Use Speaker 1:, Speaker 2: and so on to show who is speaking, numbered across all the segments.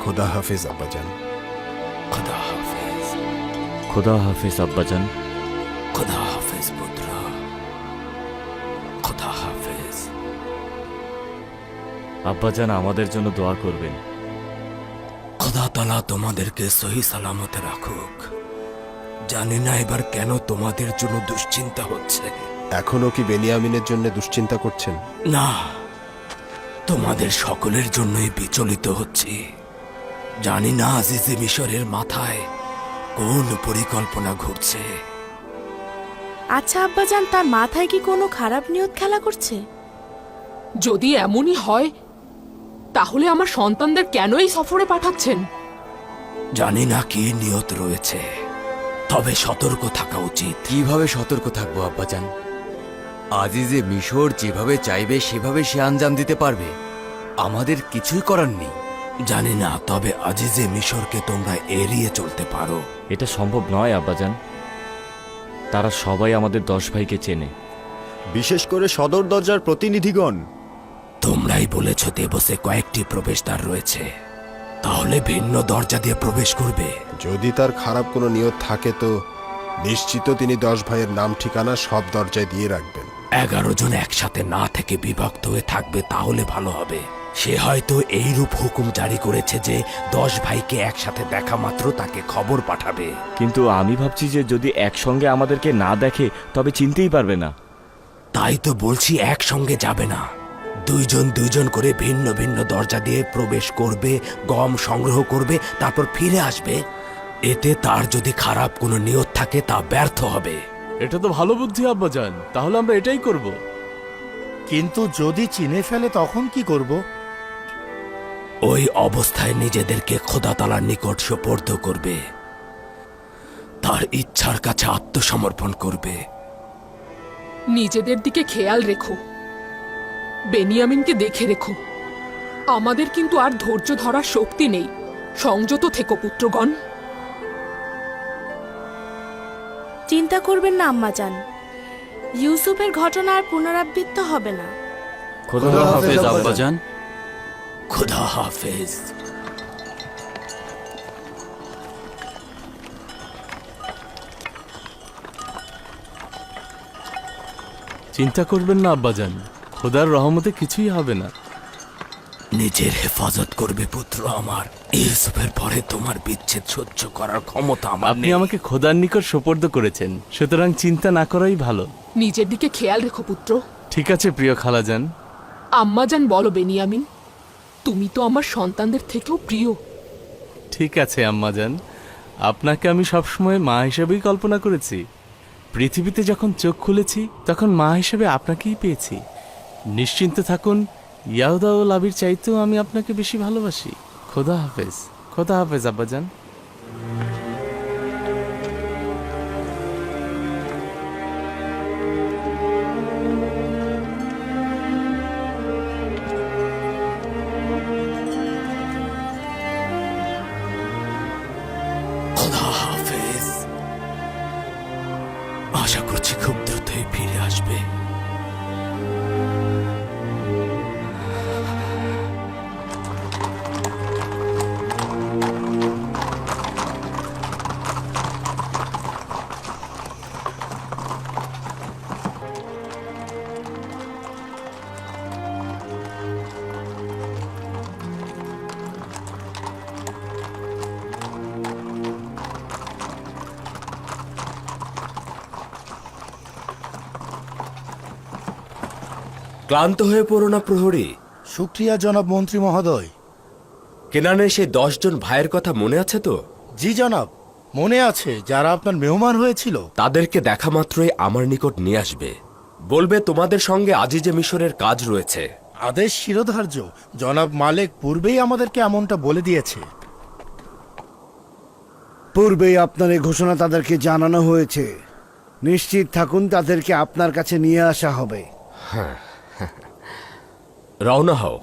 Speaker 1: খোদা হাফেজ আব্বাজান।
Speaker 2: খোদা হাফেজ।
Speaker 3: খোদা হাফেজ আব্বাজান।
Speaker 2: খোদা হাফেজ পুত্র, খোদা হাফেজ।
Speaker 3: আব্বাজান আমাদের জন্য দোয়া করবেন।
Speaker 2: খোদা তাআলা তোমাদেরকে সহি সালামতে রাখুক। জানি না এবার কেন তোমাদের জন্য দুশ্চিন্তা হচ্ছে।
Speaker 1: এখনো কি বেনিয়ামিনের জন্য দুশ্চিন্তা করছেন?
Speaker 2: না, তোমাদের সকলের জন্যই বিচলিত হচ্ছি। জানি না আজিজে মিশরের মাথায় কোন পরিকল্পনা ঘুরছে।
Speaker 4: আচ্ছা আব্বাজান, তার মাথায় কি কোনো খারাপ নিয়ত খেলা করছে?
Speaker 5: যদি এমনই হয় তাহলে আমার সন্তানদের কেন এই সফরে পাঠাচ্ছেন?
Speaker 2: জানি না কি নিয়ত রয়েছে, তবে সতর্ক থাকা উচিত।
Speaker 6: কিভাবে সতর্ক থাকবো আব্বাজান? আজিজে মিশর যেভাবে চাইবে সেভাবে সে আঞ্জাম দিতে পারবে, আমাদের কিছুই করার নেই।
Speaker 2: জানি না, তবে আজিজে মিশরকে তোমরা এড়িয়ে চলতে পারো।
Speaker 3: এটা সম্ভব নয় আব্বাজান। তারা সবাই আমাদের 10 ভাইকে চেনে।
Speaker 7: বিশেষ করে সদর দরজার প্রতিনিধিগণ।
Speaker 2: তোমরাই বলেছ দেবসে কয়েকটি প্রবেশদ্বার রয়েছে, তাহলে ভিন্ন দরজা দিয়ে প্রবেশ করবে।
Speaker 1: যদি তার খারাপ কোনো নিয়ত থাকে তো নিশ্চিত তিনি 10 ভাইয়ের নাম ঠিকানা সব দরজায় দিয়ে রাখবেন।
Speaker 2: 11 জন একসাথে না থেকে বিভক্ত হয়ে থাকবে, তাহলে ভালো হবে। সে হয়তো এইরূপ হুকুম জারি করেছে যে 10 ভাইকে একসাথে দেখা মাত্র তাকে খবর পাঠাবে।
Speaker 3: কিন্তু আমি ভাবছি যে যদি একসঙ্গে আমাদেরকে না দেখে তবে চিনতেই পারবে না।
Speaker 2: তাই তো বলছি একসঙ্গে যাবে না, দুইজন দুইজন করে ভিন্ন ভিন্ন দরজা দিয়ে প্রবেশ করবে, গম সংগ্রহ করবে, তারপর ফিরে আসবে। এতে তার যদি খারাপ কোনো নিয়ত থাকে তা ব্যর্থ হবে।
Speaker 8: এটা তো ভালো বুদ্ধি আব্বাজান, তাহলে আমরা এটাই করব।
Speaker 7: কিন্তু যদি চিনে ফেলে তখন কি করব?
Speaker 2: ওই অবস্থায় নিজেদেরকে খোদা তাআলার নিকট সোপর্দ করবে, তার ইচ্ছার কাছে আত্মসমর্পণ করবে।
Speaker 5: নিজেদের দিকে খেয়াল রেখো, বেনিয়ামিনকে দেখে রেখো। আমাদের কিন্তু আর ধৈর্য ধরার শক্তি নেই। সংযত থেকো পুত্রগণ।
Speaker 4: চিন্তা করবেন না আম্মাজান, ইউসুফের ঘটনা আর পুনরাবৃত্ত হবে না।
Speaker 3: খোদা হাফেজ আব্বাজান।
Speaker 2: খোদা হাফেজ।
Speaker 8: চিন্তা করবেন না আব্বাজান, খোদার রহমতে কিছুই হবে না।
Speaker 2: নিজের হেফাজত করবে পুত্র আমার। ইউসুফের পরে তোমার বিচ্ছেদ সহ্য করার ক্ষমতা আমার
Speaker 8: আপনি
Speaker 2: নেই।
Speaker 8: আমাকে খোদার নিকট সোপর্দ করেছেন, সুতরাং চিন্তা না করাই ভালো।
Speaker 5: নিজের দিকে খেয়াল রেখো পুত্র।
Speaker 8: ঠিক আছে প্রিয় খালাজান।
Speaker 5: আম্মাজান বলো বেনিয়ামিন, তুমি তো আমার সন্তানদের থেকেও প্রিয়।
Speaker 8: ঠিক আছে আম্মাজান, আপনাকে আমি সবসময় মা হিসেবেই কল্পনা করেছি। পৃথিবীতে যখন চোখ খুলেছি তখন মা হিসেবে আপনাকেই পেয়েছি। নিশ্চিন্তে থাকুন, ইয়াহুদা ও লাবির চাইতেও আমি আপনাকে বেশি ভালোবাসি। খোদা হাফেজ। খোদা হাফেজ আব্বাজান।
Speaker 2: খোদা হাফেজ। আশা করছি খুব দ্রুতই ফিরে আসবে।
Speaker 9: ক্লান্ত হয়ে পড়ো না প্রহরী।
Speaker 7: শুক্রিয়া জনাব মন্ত্রী মহোদয়।
Speaker 9: কেনানের সেই 10 জন ভাইয়ের কথা মনে আছে তো?
Speaker 7: জি জনাব, মনে আছে, যারা আপনার মেহমান হয়েছিল।
Speaker 9: তাদেরকে দেখা মাত্রই আমার নিকট নিয়ে আসবে। বলবে তোমাদের সঙ্গে আজিজে মিশরের কাজ রয়েছে।
Speaker 7: আদেশ শিরোধার্য। জনাব মালেক পূর্বেই আমাদেরকে এমনটা বলে দিয়েছে।
Speaker 10: পূর্বেই আপনার এই ঘোষণা তাদেরকে জানানো হয়েছে। নিশ্চিত থাকুন, তাদেরকে আপনার কাছে নিয়ে আসা হবে।
Speaker 9: হ্যাঁ, রওনা হও।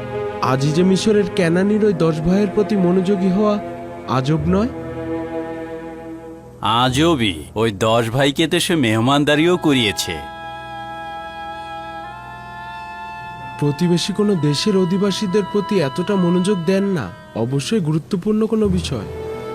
Speaker 11: আজিজে মিশরের ক্যানানির ওই 10 ভাইয়ের প্রতি মনোযোগী হওয়া আজব নয়। আজবি, ওই 10 ভাইকে তো সে মেহমানদারিও করিয়েছে।
Speaker 12: প্রতিবেশী কোনো দেশের অধিবাসীদের প্রতি এতটা মনোযোগ দেন না, অবশ্যই গুরুত্বপূর্ণ কোনো বিষয়।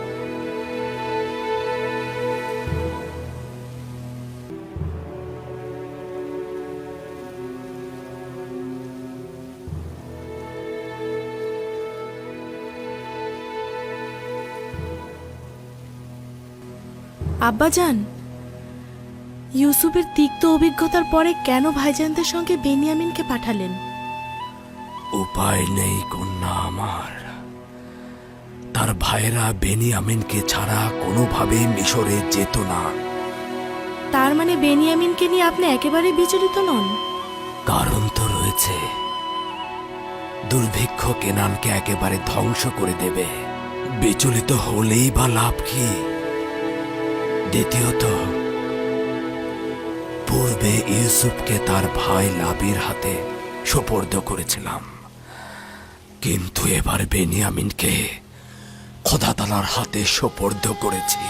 Speaker 4: আব্বাজান, ইউসুফের তিক্ত অভিজ্ঞতার পরে কেন ভাইজানদের সঙ্গে বেনিয়ামিনকে পাঠালেন?
Speaker 2: উপায় নেই কন্যা আমার। তার ভাইরা বেনিয়ামিনকে ছাড়া কোনোভাবে মিশরে যেত না।
Speaker 4: তার মানে বেনিয়ামিনকে নিয়ে আপনি একেবারে বিচলিত নন?
Speaker 2: কারণ তো রয়েছে। দুর্ভিক্ষ কেনানকে একেবারে ধ্বংস করে দেবে। বিচলিত হলেই বা লাভ কি? দ্বিতীয়ত, পূর্বে ইউসুফকে তার ভাই লাবির হাতে সোপর্দ করেছিলাম, কিন্তু এবার বেনিয়ামিনকে খোদা তাআলার হাতে সোপর্দ করেছি।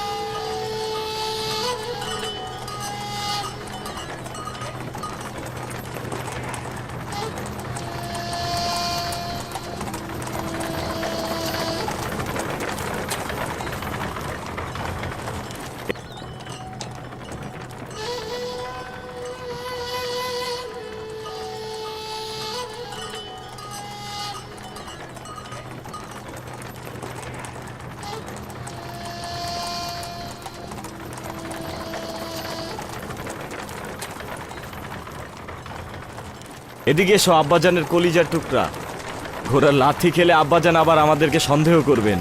Speaker 3: এদিকে এসো আব্বাজানের কলিজার টুকরা। ঘোড়ার লাথি খেলে আব্বাজান আবার আমাদেরকে সন্দেহ করবেন।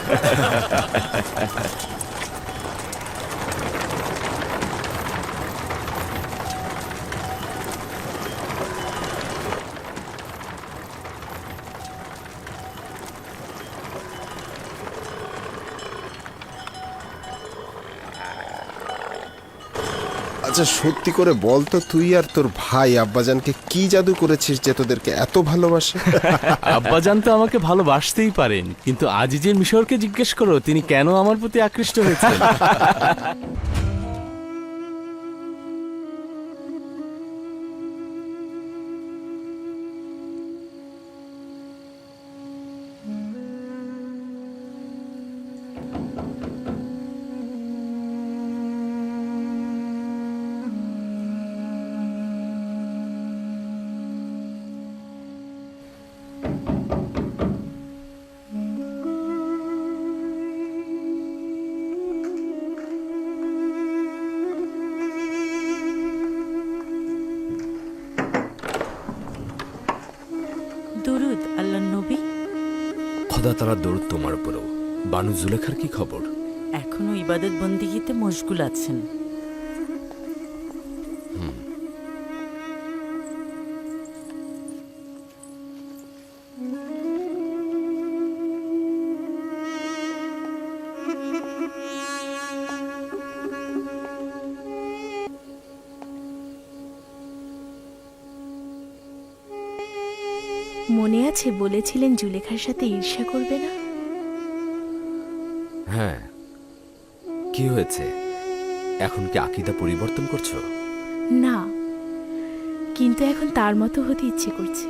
Speaker 1: আচ্ছা সত্যি করে বল তো, তুই আর তোর ভাই আব্বাজানকে কি জাদু করেছিস যে তোদেরকে এত ভালোবাসে?
Speaker 8: আব্বাজান তো আমাকে ভালোবাসতেই পারেন, কিন্তু আজিজে মিশরকে জিজ্ঞেস করো তিনি কেন আমার প্রতি আকৃষ্ট হয়েছেন।
Speaker 13: দুরুদ আল্লাহ নবী।
Speaker 2: খোদা তাআলার দরুদ তোমার উপরও। বানু জুলেখার কি খবর?
Speaker 13: এখনো ইবাদত বন্দিগিতে মশগুল আছেন।
Speaker 4: মনে আছে বলেছিলেন জুলেখার সাথে ঈর্ষা করবে না?
Speaker 9: হ্যাঁ, কি হয়েছে? এখন কি আকীদা পরিবর্তন করছো?
Speaker 4: না, কিন্তু এখন তার মতো হতে ইচ্ছে করছে।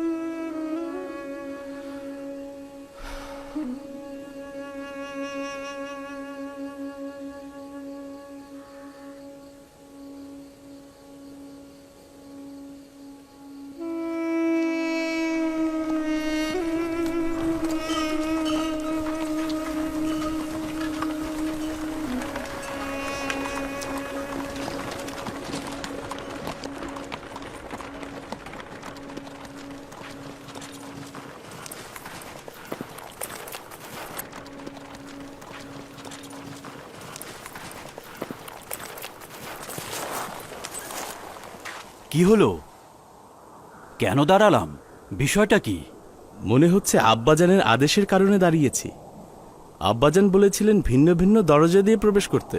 Speaker 11: কি হলো? কেন দাঁড়ালাম? বিষয়টা কি?
Speaker 8: মনে হচ্ছে আব্বাজানের আদেশের কারণে দাঁড়িয়েছি। আব্বাজান বলেছিলেন ভিন্ন ভিন্ন দরজা দিয়ে প্রবেশ করতে।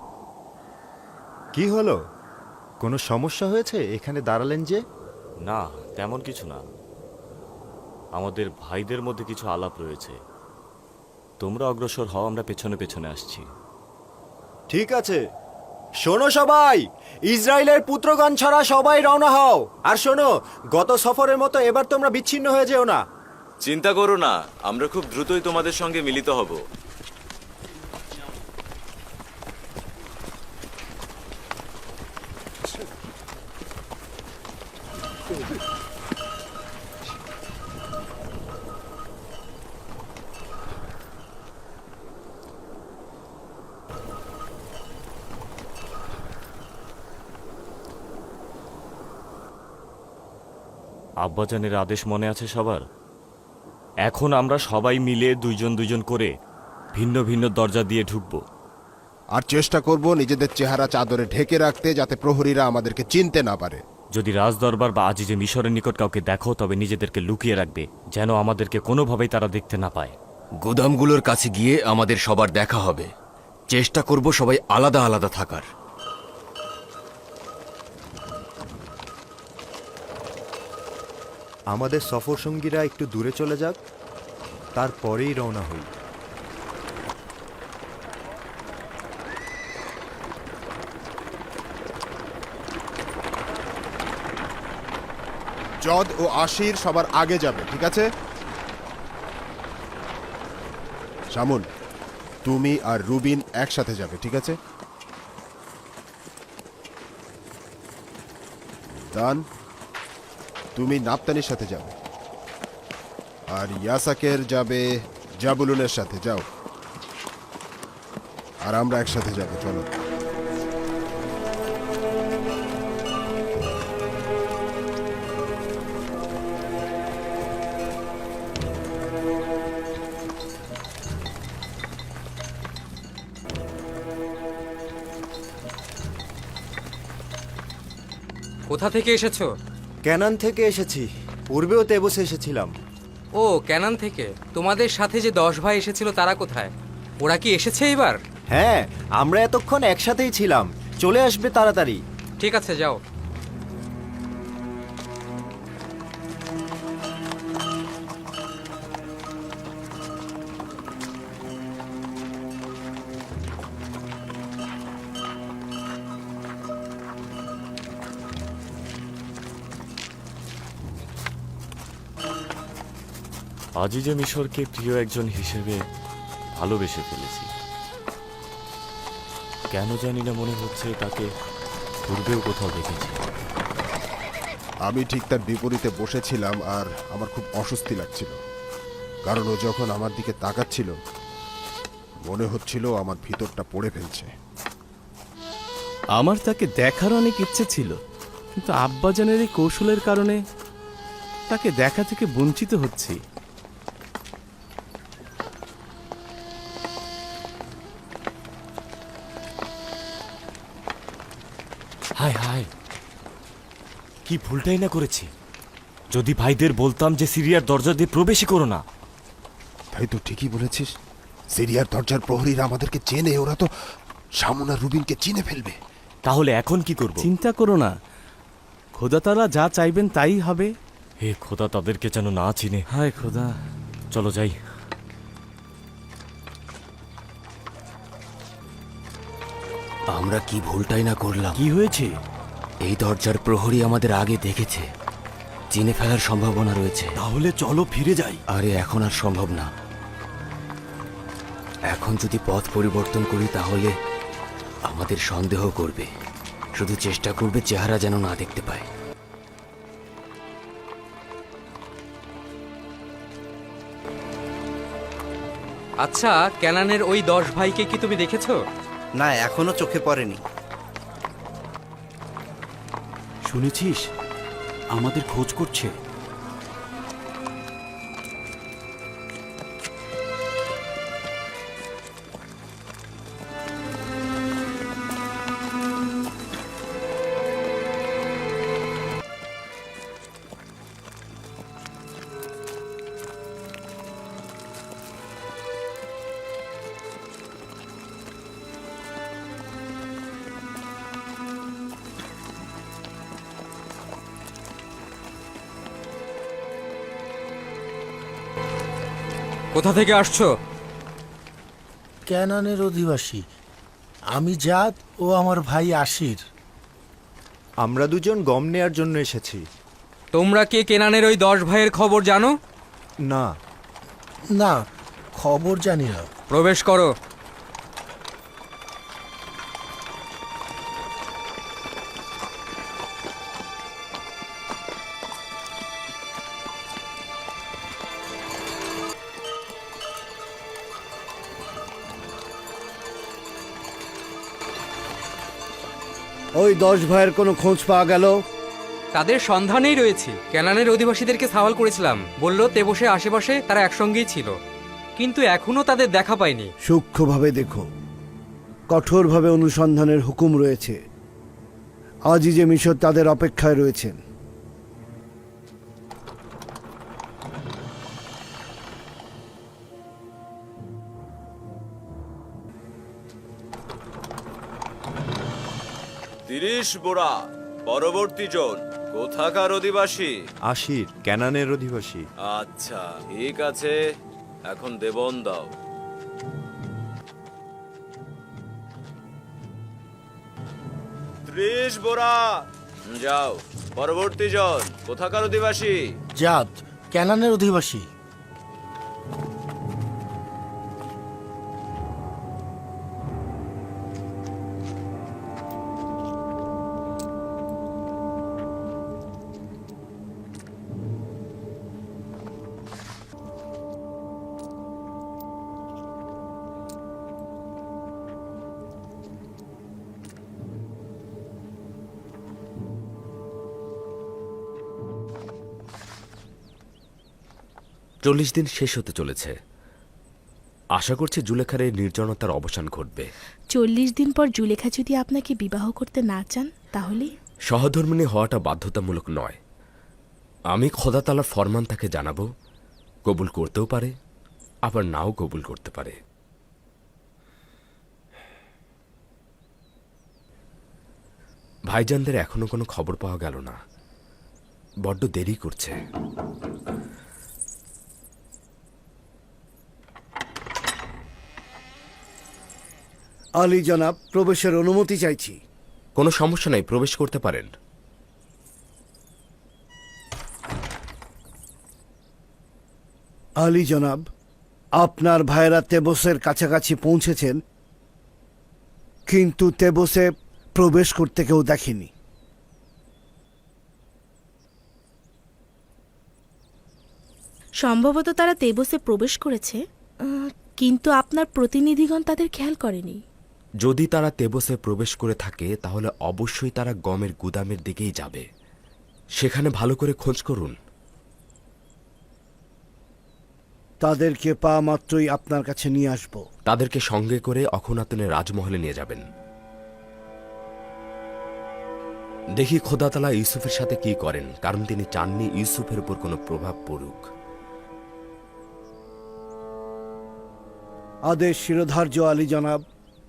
Speaker 14: কি হলো? কোনো সমস্যা হয়েছে? এখানে দাঁড়ালেন যে?
Speaker 3: না, তেমন কিছু না। আমাদের ভাইদের মধ্যে কিছু আলাপ রয়েছে। তোমরা অগ্রসর হও, আমরা পেছনে পেছনে আসছি।
Speaker 14: ঠিক আছে, শোনো সবাই, ইসরায়েলের পুত্রগণ ছাড়া সবাই রওনা হও। আর শোনো, গত সফরের মতো এবার তোমরা বিচ্ছিন্ন হয়ে যেও না।
Speaker 3: চিন্তা করো না, আমরা খুব দ্রুতই তোমাদের সঙ্গে মিলিত হব। আব্বাজানের আদেশ মনে আছে সবার? এখন আমরা সবাই মিলে দুইজন দুইজন করে ভিন্ন ভিন্ন দরজা দিয়ে ঢুকব।
Speaker 1: আর চেষ্টা করব নিজেদের চেহারা চাদরে ঢেকে রাখতে, যাতে প্রহরীরা আমাদেরকে চিনতে না পারে।
Speaker 3: যদি রাজদরবার বা আজিজে মিশরের নিকট কাউকে দেখো, তবে নিজেদেরকে লুকিয়ে রাখবে, যেন আমাদেরকে কোনোভাবেই তারা দেখতে না পায়।
Speaker 6: গুদামগুলোর কাছে গিয়ে আমাদের সবার দেখা হবে। চেষ্টা করব সবাই আলাদা আলাদা থাকার।
Speaker 14: আমাদের সফর সঙ্গীরা একটু দূরে চলে যাক, তারপরেই রওনা হই।
Speaker 1: জদ ও আশির সবার আগে যাবে, ঠিক আছে? শামুন, তুমি আর রুবিন একসাথে যাবে, ঠিক আছে? দান, তুমি নাপতানির সাথে যাবে, আর ইয়াসাকের যাবে জাবুলুনের সাথে। যাও, আর আমরা একসাথে যাবো, চলো।
Speaker 15: কোথা থেকে এসেছো?
Speaker 14: ক্যানান থেকে এসেছি, পূর্বেও তেবসে এসেছিলাম।
Speaker 15: ও, ক্যানান থেকে। তোমাদের সাথে যে 10 ভাই এসেছিল তারা কোথায়? ওরা কি এসেছে এবার?
Speaker 14: হ্যাঁ, আমরা এতক্ষণ একসাথেই ছিলাম, চলে আসবে তাড়াতাড়ি।
Speaker 15: ঠিক আছে, যাও।
Speaker 3: আজিজে মিশরকে প্রিয় একজন হিসেবে ভালোবেসে ফেলেছি। কেন জানি না মনে হচ্ছে তাকে পূর্বেও কোথাও দেখেছি।
Speaker 1: আমি ঠিক তার বিপরীতে বসেছিলাম, আর আমার খুব অস্বস্তি লাগছিল, কারণ ও যখন আমার দিকে তাকাচ্ছিল মনে হচ্ছিল আমার ভিতরটা পড়ে ফেলছে।
Speaker 8: আমার তাকে দেখার অনেক ইচ্ছে ছিল, কিন্তু আব্বাজানের এই কৌশলের কারণে তাকে দেখা থেকে বঞ্চিত হচ্ছি।
Speaker 3: হায় হায়, কি ভুলটাই না করেছি। যদি ভাইদের বলতাম যে সিরিয়ার দরজা দিয়ে প্রবেশই করো না।
Speaker 1: তাই তো, ঠিকই বলেছিস। সিরিয়ার দরজার প্রহরীরা আমাদেরকে চেনে, ওরা তো শামুন আর রুবিনকে চিনে ফেলবে।
Speaker 3: তাহলে এখন কি করব?
Speaker 8: চিন্তা করো না, খোদা তাআলা যা চাইবেন তাই হবে।
Speaker 3: হে খোদা, তাদেরকে যেন না চিনে।
Speaker 8: হায় খোদা।
Speaker 3: চলো যাই।
Speaker 6: আমরা কি ভুলটাই না করলাম।
Speaker 2: কি হয়েছে?
Speaker 6: এই দরজার প্রহরী আমাদের আগে দেখেছে, চিনে ফেলার সম্ভাবনা রয়েছে।
Speaker 2: তাহলে চলো ফিরে যাই।
Speaker 6: আরে এখন আর সম্ভব না। এখন যদি পথ পরিবর্তন করি তাহলে আমাদের সন্দেহ করবে, শুধু চেষ্টা করবে চেহারা যেন না দেখতে পায়।
Speaker 15: আচ্ছা, ক্যানানের ওই 10 ভাইকে কি তুমি দেখেছো?
Speaker 10: না, এখনো চোখে পড়েনি।
Speaker 2: শুনেছিস আমাদের খোঁজ করছে।
Speaker 15: কোথা থেকে আসছো?
Speaker 7: ক্যানানের অধিবাসী। আমি জাত ও আমার ভাই আশির।
Speaker 14: আমরা দুজন গম নেয়ার জন্য এসেছি।
Speaker 15: তোমরা কে কেনানের ওই 10 ভাইয়ের খবর জানো?
Speaker 14: না।
Speaker 7: না, খবর জানি না।
Speaker 15: প্রবেশ করো।
Speaker 10: ওই 10 ভাইয়ের কোনো খোঁজ পাওয়া গেল?
Speaker 15: তাদের সন্ধানেই রয়েছি। কেনানের অধিবাসীদেরকে সওয়াল করেছিলাম, বলল তেবসে আশেপাশে তারা একসঙ্গেই ছিল, কিন্তু এখনো তাদের দেখা পাইনি।
Speaker 10: সূক্ষ্মভাবে দেখো, কঠোরভাবে অনুসন্ধানের হুকুম রয়েছে। আজিজে মিশর তাদের অপেক্ষায় রয়েছেন।
Speaker 16: বোড়া পরবর্তী জন কোথাকার অধিবাসী?
Speaker 14: আশির, ক্যানানের অধিবাসী।
Speaker 16: আচ্ছা ঠিক আছে, এখন দেবন দাও। বোড়া যাও। পরবর্তী জন কোথাকার অধিবাসী?
Speaker 7: জাত, ক্যানানের অধিবাসী।
Speaker 2: চল্লিশ দিন শেষ হতে চলেছে। আশা করছি জুলেখার এই নির্জনতার অবসান ঘটবে।
Speaker 4: 40 দিন পর জুলেখা যদি আপনাকে বিবাহ করতে না চান তাহলে?
Speaker 2: সহধর্মিণী হওয়াটা বাধ্যতামূলক নয়। আমি খোদা তাআলার ফরমান তাকে জানাবো, কবুল করতেও পারে আবার নাও কবুল করতে পারে। ভাইজানদের এখনো কোনো খবর পাওয়া গেল না, বড্ড দেরি করছে।
Speaker 10: আলী জনাব, প্রবেশের অনুমতি চাইছি।
Speaker 2: কোনো সমস্যা নাই, প্রবেশ করতে পারেন।
Speaker 10: আলী জনাব, আপনার ভাইরা তেবসের কাছাকাছি পৌঁছেছেন, কিন্তু তেবসে প্রবেশ করতে কেউ দেখেনি।
Speaker 4: সম্ভবত তারা তেবসে প্রবেশ করেছে, কিন্তু আপনার প্রতিনিধিগণ তাদের খেয়াল করেনি।
Speaker 2: যদি তারা তেবসে প্রবেশ করে থাকে তাহলে অবশ্যই তারা গমের গুদামের দিকেই যাবে। সেখানে ভালো করে খোঁজ করুন।
Speaker 10: তাদেরকে পাওয়া মাত্রই আপনার কাছে নিয়ে আসব।
Speaker 2: তাদেরকে সঙ্গে করে অখনাতুনের রাজমহলে নিয়ে যাবেন। দেখি খোদা তাআলা ইউসুফের সাথে কি করেন, কারণ তিনি চাননি ইউসুফের উপর কোনো প্রভাব পড়ুক।
Speaker 10: আদেশ শিরোধার্য আলী জনাব।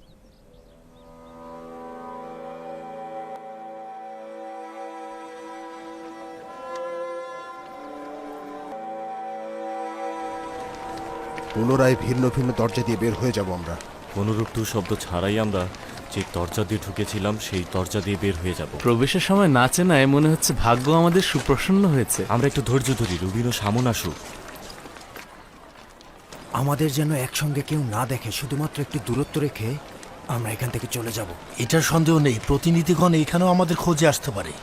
Speaker 1: পুনরায় ভিন্ন ভিন্ন দরজা দিয়ে বের হয়ে যাব আমরা।
Speaker 3: কোনোরূপ টু শব্দ ছাড়াই আমরা যে দরজা দিয়ে ঢুকেছিলাম সেই দরজা দিয়ে বের হয়ে যাব।
Speaker 8: প্রবেশের সময় না চেনায় মনে হচ্ছে ভাগ্য আমাদের সুপ্রসন্ন হয়েছে।
Speaker 3: আমরা একটু ধৈর্য ধরি, রুবিনও সামন আসুক।
Speaker 6: আমাদের যেন একসঙ্গে কেউ না দেখে, শুধুমাত্র একটু দূরত্ব রেখে আমরা এখান থেকে চলে যাব।
Speaker 7: এটার সন্দেহ নেই, প্রতিনিধিগণ এখানেও আমাদের খোঁজে আসতে পারে।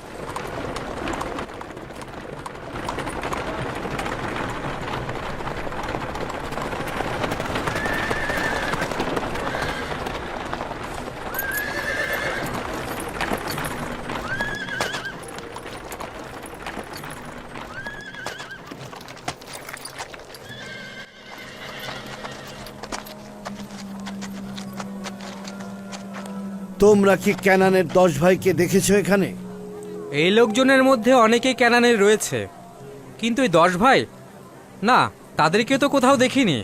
Speaker 10: তোমরা কি ক্যানানের 10 ভাইকে দেখেছো এখানে?
Speaker 15: এই লোকজনের মধ্যে অনেকেই ক্যানানের রয়েছে, কিন্তু এই 10 ভাই না, তাদেরকে তো কোথাও দেখিনি।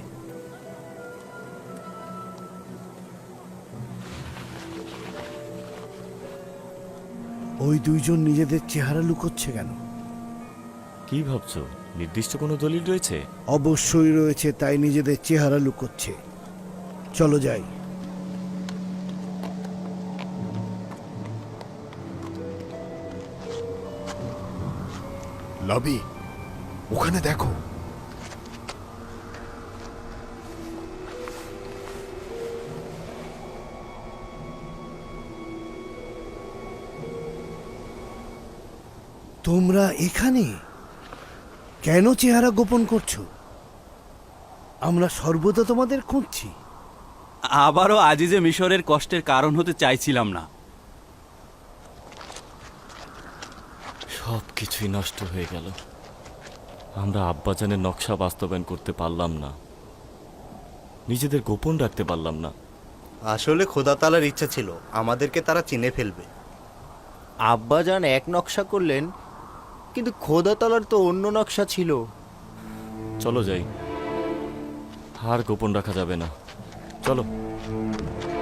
Speaker 10: ওই দুইজন নিজেদের চেহারা লুকোচ্ছে কেন?
Speaker 3: কি ভাবছো, নির্দিষ্ট কোনো দলিল রয়েছে?
Speaker 10: অবশ্যই রয়েছে, তাই নিজেদের চেহারা লুকোচ্ছে। চলো যাই।
Speaker 1: লবি, ওখানে দেখো।
Speaker 10: তোমরা এখানে কেন চেহারা গোপন করছো? আমরা সর্বদা তোমাদের খুঁজছি।
Speaker 11: আবারও আজিজে মিশরের কষ্টের কারণ হতে চাইছিলাম না।
Speaker 3: সব কিছুই নষ্ট হয়ে গেল। আমরা আব্বাজানের নকশা বাস্তবায়ন করতে পারলাম না, নিজেদের গোপন রাখতে পারলাম না।
Speaker 7: আসলে খোদা তাআলার ইচ্ছা ছিল আমাদেরকে তারা চিনে ফেলবে। আব্বাজান এক নকশা করলেন, কিন্তু খোদা তাআলার তো অন্য নকশা ছিল।
Speaker 3: চলো যাই, আর গোপন রাখা যাবে না। চলো।